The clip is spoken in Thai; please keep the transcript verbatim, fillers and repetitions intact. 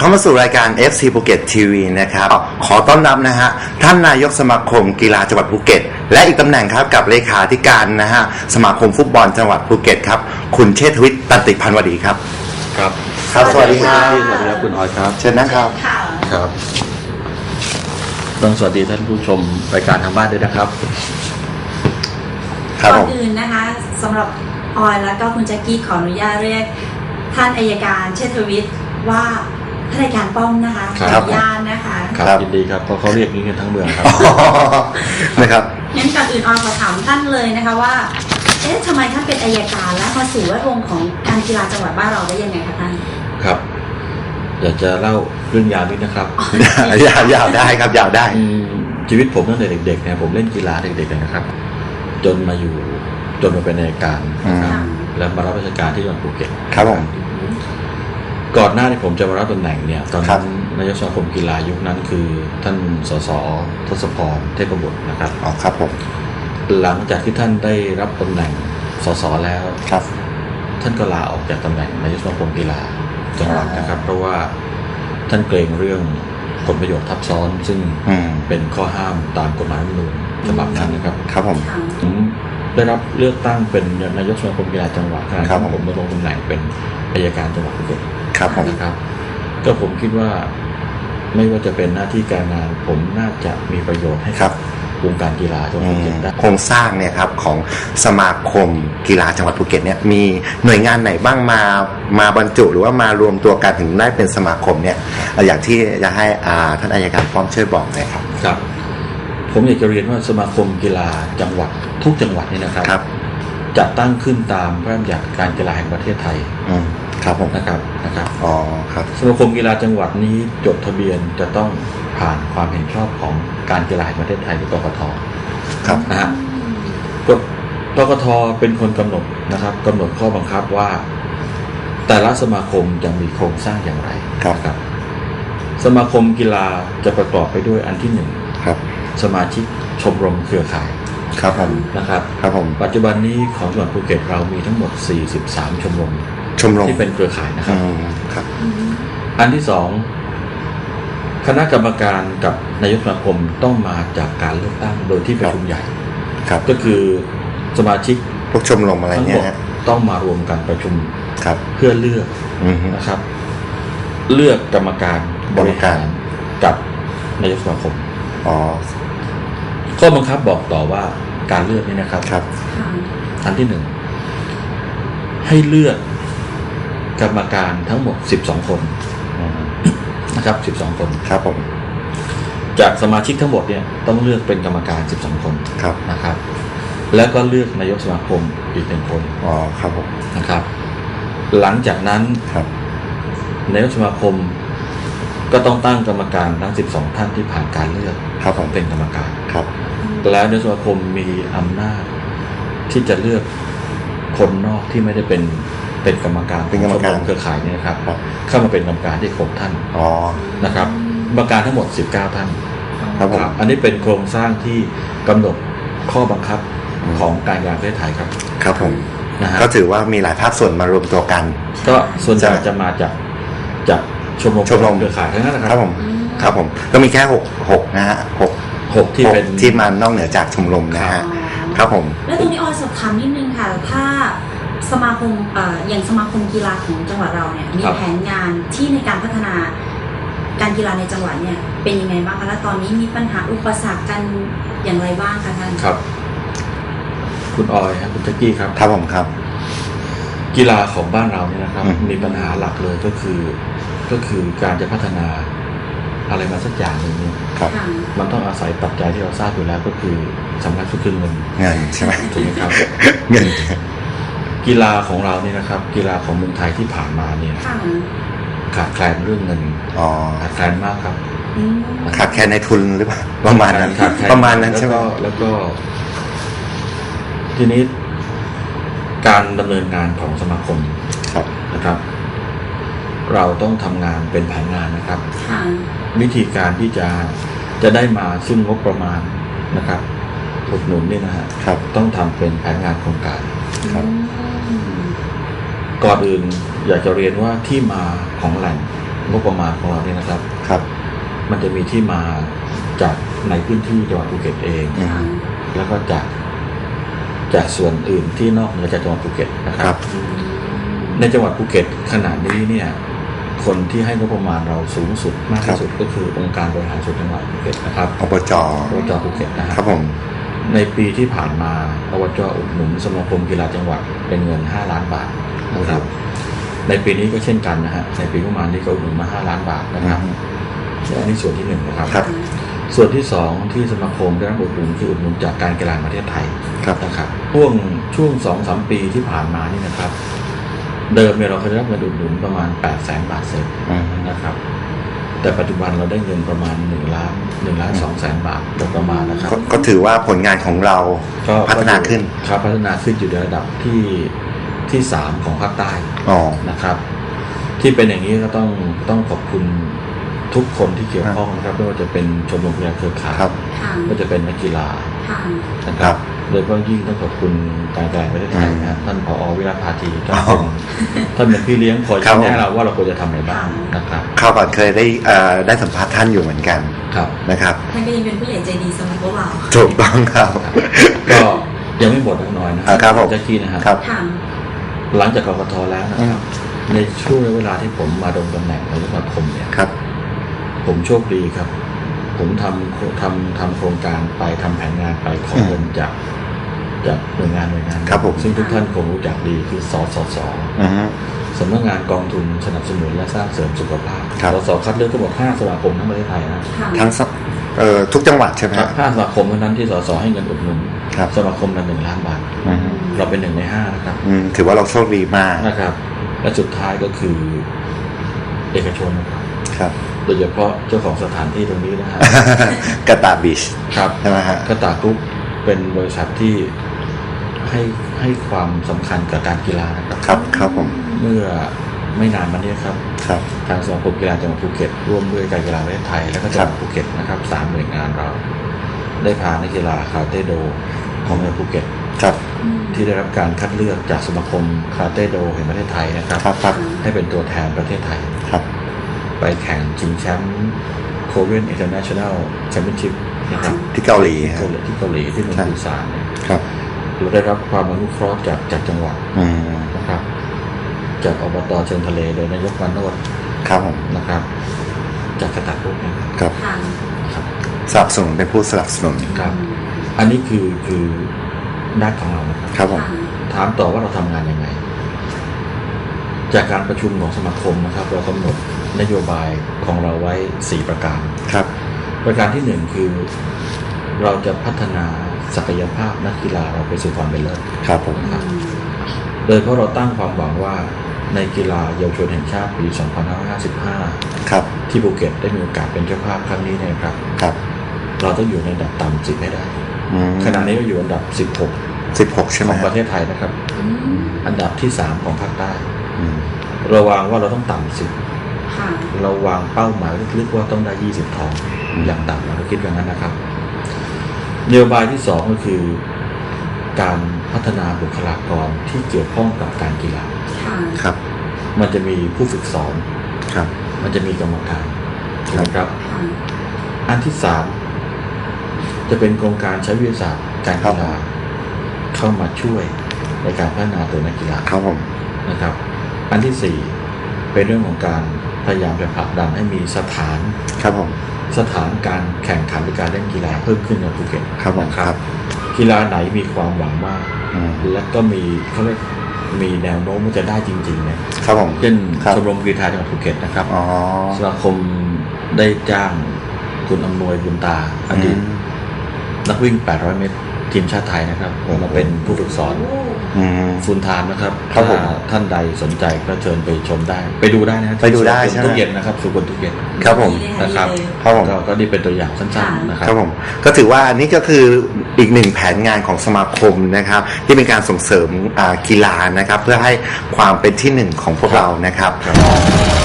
เข้ามาสู่รายการ เอฟ ซี ภูเก็ต ที วี นะครับขอต้อนรับนะฮะท่านนายกสมาคมกีฬาจังหวัดภูเก็ตและอีกตำแหน่งครับกับเลขาธิการนะฮะสมาคมฟุตบอลจังหวัดภูเก็ตครับคุณเชษฐวิทย์ตันติพันวดีครับครับครับสวัสดีครับสวัสดีครับคุณออยครับเชิญนะครับครับต้องสวัสดีท่านผู้ชมรายการทางบ้านด้วยนะครับก่อนอื่นนะคะสำหรับออยแล้วก็คุณแจ็คกี้ขออนุญาตเรียกท่านอัยการเชษฐวิทย์ว่าท่านอัยการป้อมนะคะขออนุญาตนะคะครับยินดีครับเพราะเขาเรียกนี้กันทั้งเมืองครับนะครับงั้นก่อนอื่นออยขอถามท่านเลยนะคะว่าเอ๊ะทำไมท่านเป็นอัยการและมาสู่แวดวงของการกีฬาจังหวัดบ้านเราได้ยังไงคะท่านครับอยากจะเล่าเรื่องยาวนิดนะครับยาวยาวได้ครับยาวได้ชีวิตผมตั้งแต่เด็กๆเนี่ยผมเล่นกีฬาเด็กๆนะครับจนมาอยู่จนมาเป็นอัยการแล้วมารับราชการที่จังหวัดภูเก็ตครับผมก่อนหน้าที่ผมจะมารับตำแหน่งเนี่ยตอนนั้นนายกสมาคมกีฬายุคนั้นคือท่านสสทศพรเทพบุตรนะครับอ๋อครับผมหลังจากที่ท่านได้รับตำแหน่งสสแล้วครับท่านก็ลาออกจากตำแหน่งนายกสมาคมกีฬาจังหวัดนะครับเพราะว่าท่านเกรงเรื่องผลประโยชน์ทับซ้อนซึ่งเป็นข้อห้ามตามกฎหมายรัฐธรรมนูญฉบับนั้นนะครับครับผมผมได้รับเลือกตั้งเป็นนายกสมาคมกีฬาจังหวัดครับผมดำรงตำแหน่งเป็นอัยการจังหวัดภูเก็ตครับผมนะครับก็ผมคิดว่าไม่ว่าจะเป็นหน้าที่การงานผมน่าจะมีประโยชน์ให้กับวงการกีฬาจังหวัดภูเก็ตได้โครงสร้างเนี่ยครับของสมาคมกีฬาจังหวัดภูเก็ตเนี่ยมีหน่วยงานไหนบ้างมามาบรรจุหรือว่ามารวมตัวกันถึงได้เป็นสมาคมเนี่ยอย่างที่จะให้ท่านอัยการป้อมช่วยบอกหน่อยครับครับผมอยากจะเรียนว่าสมาคมกีฬาจังหวัดทุกจังหวัดนี่นะครับจะตั้งขึ้นตามพระราชบัญญัติการกีฬาแห่งประเทศไทยครับผมนะครับนะครับอ๋อครับสมาคมกีฬาจังหวัดนี้จดทะเบียนจะต้องผ่านความเห็นชอบของการกีฬาแห่งประเทศไทยหรือกกท. ครับนะฮะกฎกกท.เป็นคนกำหนดนะครับกำหนดข้อบังคับว่าแต่ละสมาคมจะมีโครงสร้างอย่างไรครับครับสมาคมกีฬาจะประกอบไปด้วยอันที่หนึ่งครับสมาชิกชมรมเครือข่ายครับผมนะครับครับผมปัจจุบันนี้ของจังหวัดภูเก็ตเรามีทั้งหมดสี่สิบสามชมรมชมรมที่เป็นเครือข่ายนะครับครับอันที่สองคณะกรรมการกับนายกสมาคมต้องมาจากการเลือกตั้งโดยที่ประชุมใหญ่ครับก็คือสมาชิกพวกชมรมอะไรเนี่ยต้องมารวมกันประชุมครับเพื่อเลือกนะครับเลือกกรรมการบริหารกับนายกสมาคมอ๋อข้อบังคับบอกต่อว่าการเลือกนี่นะครับครับอันที่หนึ่งให้เลือกกรรมการทั้งหมดสิบสองคนนะครับสิบสองคนครับผมจากสมาชิกทั้งหมดเนี่ยต้องเลือกเป็นกรรมการสิบสองคนครับนะครับแล้วก็เลือกนายกสมาคมอีกหนึ่งคนอ๋อครับผมนะครับหลังจากนั้นครับนายกสมาคมก็ต้องตั้งกรรมการทั้งสิบสองท่านที่ผ่านการเลือกครับผมเป็นกรรมการครับแล้วนายกสมาคมมีอำนาจที่จะเลือกคนนอกที่ไม่ได้เป็นเป็นกรรมการเป็นกรรมการเครือข่ายนี่นะครับเข้ามาเป็นกรรมการที่ครบท่านอ๋อนะครับกรรมการทั้งหมดสิบเก้าท่านครับผมอันนี้เป็นโครงสร้างที่กำหนดข้อบังคับของการกีฬาประเทศไทยครับครับผมนะฮะก็ถือว่ามีหลายภาคส่วนมารวมตัวกันก็ส่วนใหญ่จะมาจากจากชมรมชมรมเครือข่ายทั้งนั้นนะครับครับผมครับผมก็มีแค่หกหกนะฮะหกหกที่เป็นที่มานอกเหนือจากชมรมนะฮะครับผมแล้วตรงนี้ออยสอบถามนิดนึงค่ะถ้าสมาคมเอ่ออย่างสมาคมกีฬาของจังหวัดเราเนี่ยมีแผนงานที่ในการพัฒนาการกีฬาในจังหวัดเนี่ยเป็นยังไงบ้างคะและตอนนี้มีปัญหาอุปสรรคกันอย่างไรบ้างคะท่านครับคุณออยครับคุณแจ็คกี้ครับครับผมครับกีฬาของบ้านเราเนี่ยนะครับมีปัญหาหลักเลยก็คือก็คือการจะพัฒนาอะไรมาสักอย่างหนึ่งเนี่ยมันต้องอาศัยปัจจัยที่เราทราบอยู่แล้วก็คือสำคัญสุดคือเงินเงินใช่ไหมถูกไหมครับเงินกีฬาของเราเนี่ยนะครับกีฬาของเมืองไทยที่ผ่านมาเนี่ยขาดแคลนเรื่องเงินอ๋อขาดแคลนมากครับขาดแคลนในทุนหรือเปล่าประมาณนั้นประมาณนั้นใช่ไหมแล้วก็ทีนี้การดำเนินงานของสมาคมนะครับเราต้องทำงานเป็นแผนงานนะครับวิธีการที่จะจะได้มาซึ่งงบประมาณนะครับอุดหนุนเนี่ยนะฮะต้องทำเป็นแผนงานโครงการก่อนอื่นอยากจะเรียนว่าที่มาของแหล่งงบประมาณของเราเนี่ยนะครับครับมันจะมีที่มาจากในพื้นที่จังหวัดภูเก็ตเองอืมแล้วก็จากจากส่วนอื่นที่นอกเหนือจากจังหวัดภูเก็ตนะคครัรับบในจังหวัดภูเก็ตขณะนี้เนี่ยคนที่ให้งบประมาณเราสูงสุดมากที่สุดก็คือองค์การบริหารส่วนจังหวัดภูเก็ตนะครับอบจอบจภูเก็ตนะคครัรับบผมในปีที่ผ่านมาอบจอุดหนุนสมาคมกีฬาจังหวัดเป็นเงินห้าล้านบาทนะครับ ในปีนี้ก็เช่นกันนะฮะในปีประมาณนี้ก็อุดหนุนมาห้าล้านบาทนะครับอันนี้ส่วนที่หนึ่งนะครับครับส่วนที่สองที่สมาคมได้รับอุดหนุนคืออุดหนุนจากการกีฬาแห่งประเทศไทยครับนะครับช่วงช่วงสองสามปีที่ผ่านมานี่นะครับ เดิมเนี่ยเราเคยได้รับเงินอุดหนุนประมาณแปดแสนบาทเศษอืมนะครับ แต่ปัจจุบันเราได้เงินประมาณหนึ่งล้านหนึ่งล้านสองแสนบาทโดยประมาณนะครับก็ก็ถือว่าผลงานของเราก็พัฒนาขึ้นครับพัฒนาขึ้นอยู่ในระดับที่ที่สามของภาคใต้อ๋อนะครับ ที่เป็นอย่างนี้ก็ต้องต้องขอบคุณทุกคนที่เกี่ยวข้องนะครับไม่ว่าจะเป็นชมรมกีฬาเครือข่ายครับค่ะก็จะเป็นนักกีฬาค่ะนะคครัรับบโดยเฉพาะยิ่งต้องขอบคุณการกีฬาแห่งประเทศไทยนะฮะท่านผอวิรัตพาธีท่านอ๋เป็นอท่านเป็นพี่เลี้ยงคอยครับชี้แนะเราว่าเราควรจะทำอะไรบ้างนะครับเข้าก่อนเคยได้เอ่อได้สัมภาษณ์ท่านอยู่เหมือนกันครับนะครับท่านก็ยังเป็นผู้ใหญ่ใจดีสำหรับพวกเราถูกต้องครับก็ยังไม่หมดน้อยนะอ่าครับผมแจ็คกี้นะฮะครับค่ะหลังจากกกตแล้วนะครับ ในช่วงเวลาที่ผมมาดำรงตำแหน่งนายกสมาคมเนี่ยครับผมโชคดีครับ ผมทำทำทำโครงการไปทำแผนงานไปขอเงินจากจากหน่วยงานหน่วยงานครับผมซึ่งทุกท่านคงรู้จักดีคือสสสอือฮึสำนักงานกองทุนสนับสนุนและสร้างเสริมสุขภาพครับสสคัดเลือกทั้งหมดห้าสมาคมทั้งประเทศไทยนะค่ะทั้งสเอ่อทุกจังหวัดใช่ไหมคครัรับบ ห้าสมาคมเท่านั้นที่สสให้เงินอุดหนุนครับสมาคมละหนึ่งล้านบาทอือฮึเราเป็นหนึ่งในห้านะครับอืมถือว่าเราโชคดีมากนะครับ และสุดท้ายก็คือเอกชนนะครับครับโดยเฉพาะเจ้าของสถานที่ตรงนี้นะฮะกาตาบิชครับใช่ไหมฮะกระตากรุ๊ปเป็นบริษัทที่ให้ให้ความสำคัญกับการกีฬานะครับครับครับผมเมื่อไม่นานมานี้ครับครับทางสมาคมกีฬาจังหวัดภูเก็ตร่วมด้วยการกีฬาประเทศไทยและก็จังหวัดภูเก็ตนะครับสามหน่วยงานเรา ได้พานักกีฬาคาราเต้โดของจังหวัดภูเก็ตครับที่ได้รับการคัดเลือกจากสมาคมคาราเต้โดแห่งประเทศไทยนะครับครับครับให้เป็นตัวแทนประเทศไทยครับไปแข่งชิงแชมป์ Korean International Championship นะครับที่เกาหลีครัเกาบหลีที่เกาหลีที่เมืองปูซานเนี่ยครับเราได้รับความอนุเคราะห์จากจากจังหวัดอืมนะครับ จากอบตเชิงทะเลโดยนายกวันโนดครับผมนะครับ จากกระตักลูกนะครับครับค่ะครับสนับสนุนเป็นผู้สนับสนุนครับ อันนี้คือคือด้านของเรานะครับครับผมค่ะถามต่อว่าเราทำงานยังไง จากการประชุมของสมาคมนะครับ เรากำหนดนโยบายของเราไว้สี่ประการครับประการที่หนึ่งคือ เราจะพัฒนาศักยภาพนักกีฬาเราไปสู่ความเป็นเลิศครับผมครับ โดยเพราะเราตั้งความหวังว่าในกีฬาเยาวชนแห่งชาติปี สองพันห้าร้อยห้าสิบห้าครับที่ภูเก็ตได้มีโอกาสเป็นเจ้าภาพครั้งนี้เนะครับครับเราต้องอยู่ในอันดับต่ำสิบให้ได้อืมขณะนี้เราอยู่อันดับสิบหกสิบหกใช่ไหขมองฮะประเทศไทยนะครับอืมอันดับที่สามของภาคใต้อืมเราวางว่าเราต้องต่ำสิบค่ะเราวางเป้าหมายลึกๆว่าต้องได้ยี่สิบทอง อย่างต่ำเราคิดอย่างนั้นนะครับนโยบายที่สองก็คือ การพัฒนาบุคลากรที่เกี่ยวข้องกับการกีฬาค่ะครับมันจะมีผู้ฝึกสอนครับมันจะมีกรรมการถูกไหมครับค่ะอันที่สามจะเป็นโครงการใช้วิทยาศาสตร์การกีฬาเข้ามาช่วยในการพัฒนาตัวนักกีฬาครับผมนะครับ อันที่สี่เป็นเรื่องของการพยายามจะผลักดันให้มีสถานครับผมสถานการแข่งขันหรือการเล่นกีฬาเพิ่มขึ้นในภูเก็ตครับผมนะครับ กีฬาไหนมีความหวังมากอืมและก็มีเขาเรียกมีแนวโน้มว่าจะได้จริงๆเนี่ยครับผมเช่นครับชมรมกีฬาจังหวัดภูเก็ตนะครับอ๋อสมาคมได้จ้างคุณอำนวยบุญตาอดีตอืมนักวิ่ง แปดร้อย เมตร ทีมชาติไทยนะครับมาเป็นผู้ฝึกสอนโอ้อืมฟูลไทม์นะครับครับผมถ้าท่านใดสนใจก็เชิญไปชมได้ ไปดูได้นะไปดูได้ที่ใช่ไหมสุขุมทุกเย็นนะครับสุขุมทุกเย็นครับผมดีเลยนะครับดีเลยครับผมก็ก็นี่เป็นตัวอย่างสั้นๆนะครัครับผมก็ถือว่าอันนี้ก็คืออีกหนึ่งแผนงานของสมาคมนะครับ ที่เป็นการส่งเสริมอ่ากีฬานะครับ เพื่อให้ความเป็นที่หนึ่งของพวกเรานะครับครับ